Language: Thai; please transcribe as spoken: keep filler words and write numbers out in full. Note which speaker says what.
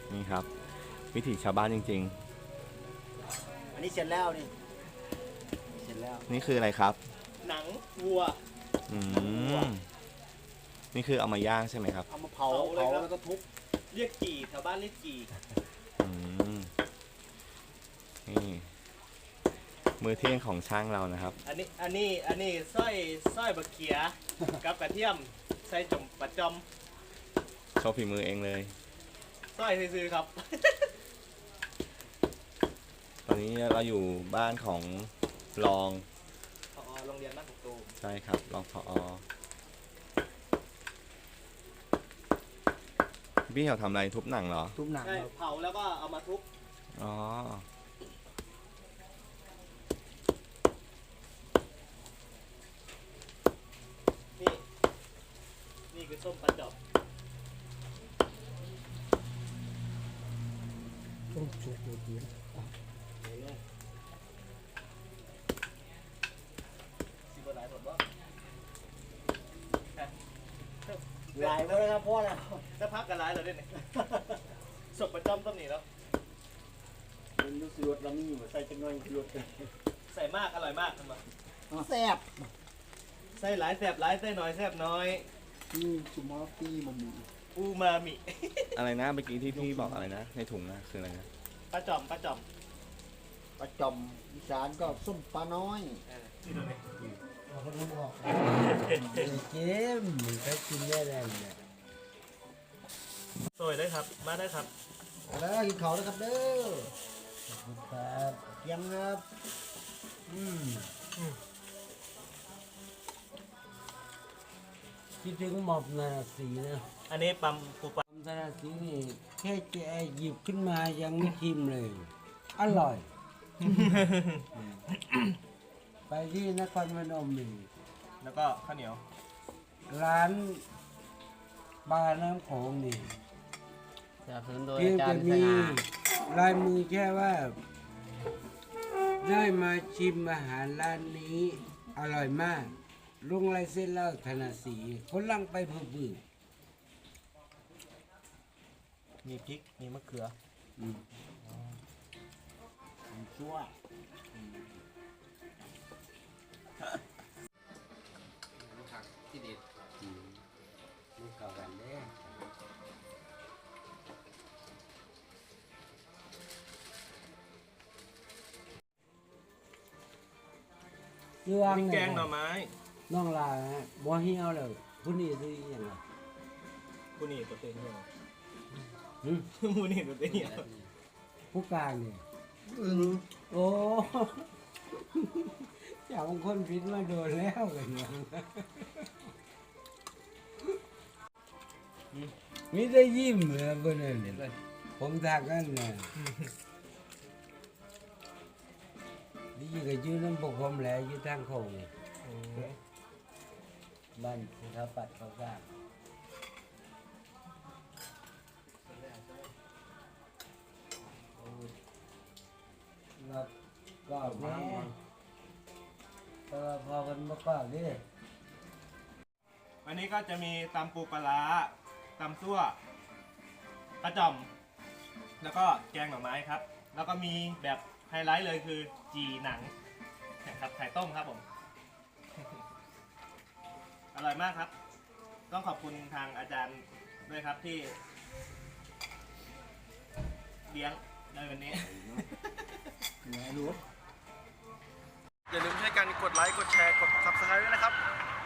Speaker 1: นี่ครับ วิถีชาวบ้านจริง
Speaker 2: ๆอันนี้เสร็จแล้วนี่เสร็จแล้ว
Speaker 1: นี่คืออะไรครับ
Speaker 2: หนังวัว
Speaker 1: อืมนี่คือเอามาย่างใช่ไหมครับ
Speaker 2: เอามาเผาเผาแล้วก็ทุบเรียกจี่แถวบ้านเรียกจี่
Speaker 1: อืมนี่มือเที่ยงของช่างเรานะครับ
Speaker 2: อันนี้อันนี้อันนี้สร้อยสร้อยบะเขียกับกระเทียมใส่จมปะจอม
Speaker 1: โชว์ฝีมือเองเลย
Speaker 2: สร้อยซื้อครับ
Speaker 1: ตอนนี้เราอยู่บ้านของรอง
Speaker 2: ผอ.โรงเรียนบ้านของตูม
Speaker 1: ใช่ครับรองผอ.พี่เขาทำอะไรทุบหนังเหรอ
Speaker 2: ทุบหนังใช่เผาแล้วก็เอามาทุบ
Speaker 1: อ๋อ
Speaker 2: นี่นี่คือส้มปลาจอบต้มจุกเดียวสิบหลายหมดวะหลายแล้วนะครับพ่อแล้วจะพักกันหลายแล้วด้วยเนี่ยศพประจำต้นนี้แล้วมันรู้สึกรสเรามีอยู่ใส่จังหน่อยรสกันใส่มากอร่อยมากทำไมแซ่บใส่หลายแซ่บหลายใส่น้อยแซ่บน้อยอืมสุมาฟีมามิอูมามิ
Speaker 1: อะไรนะเมื่อกี้ที่พี่บอกอะไรนะในถุงนะคืออะไรนะ
Speaker 2: ปลาจอมปลาจอมปลาจอมอีสานก็ส้มปลาน้อยเราก็รู้ออก
Speaker 3: เกมมันก็กินได้แล้วเนี่ย
Speaker 2: สวยได้ครับมาได้ครับแล้วกินเขาแล้วครับเด้อครับเยี่ยมครับอืม
Speaker 3: คิดถึงหมอบนาสีนะ
Speaker 2: อันนี้ปั๊มปูปั๊ม
Speaker 3: นาสีนี่แค่จะหยิบขึ้นมายังไม่ชิมเลยอร่อยไปที่นครพนมนี่
Speaker 2: แล้วก็ข้าวเหนียว
Speaker 3: ร้านบาร์น้ำโขงนี่
Speaker 4: สนับสนุนโดยอาจารย์สง่า
Speaker 3: ลายมือแค่ว่าได้มาชิมอาหารร้านนี้อร่อยมากลุงไรเส้นเล่าธนสีคนลังไปเพื่อบือ
Speaker 2: มีพริกมีมะเขืออืมชั่ว
Speaker 3: ที่เด็ดมันเก่ากันเด้
Speaker 2: มีแกงหน่อไม้
Speaker 3: น้องลาฮะบัวเหี่ยวเลยผู้นี้ซื้อยังไง
Speaker 2: ผู้นี้ตัวเต็งเนี่ย
Speaker 3: หืม
Speaker 2: ผู้นี้ตัวเต็งเนี่ย
Speaker 3: ผู้กลางเนี่ยโอ้จากบางคนผิดมาโดนแล้วกันเนี่ยมีได้ยิ้มเลยบนนั้นผมทักกันนะนี่ก็ยืนน้ำปกผมแหละยืนทางโค้งบ้านเขาปัดเขาสร้างเราก็แม่พอพอกันมาก่อนดิ
Speaker 2: วันนี้ก็จะมีตำปูปลาตำซั่วกระจ่อมแล้วก็แกงหน่อไม้ครับแล้วก็มีแบบไฮไลท์เลยคือจีหนังนะครับไข่ต้มครับผมอร่อยมากครับต้องขอบคุณทางอาจารย์ด้วยครับที่เลี้ยงในวันนี้อย่าลืมช่วยกันกดไลค์กดแชร์กด ซับสไครบ์ ด้วยนะครับ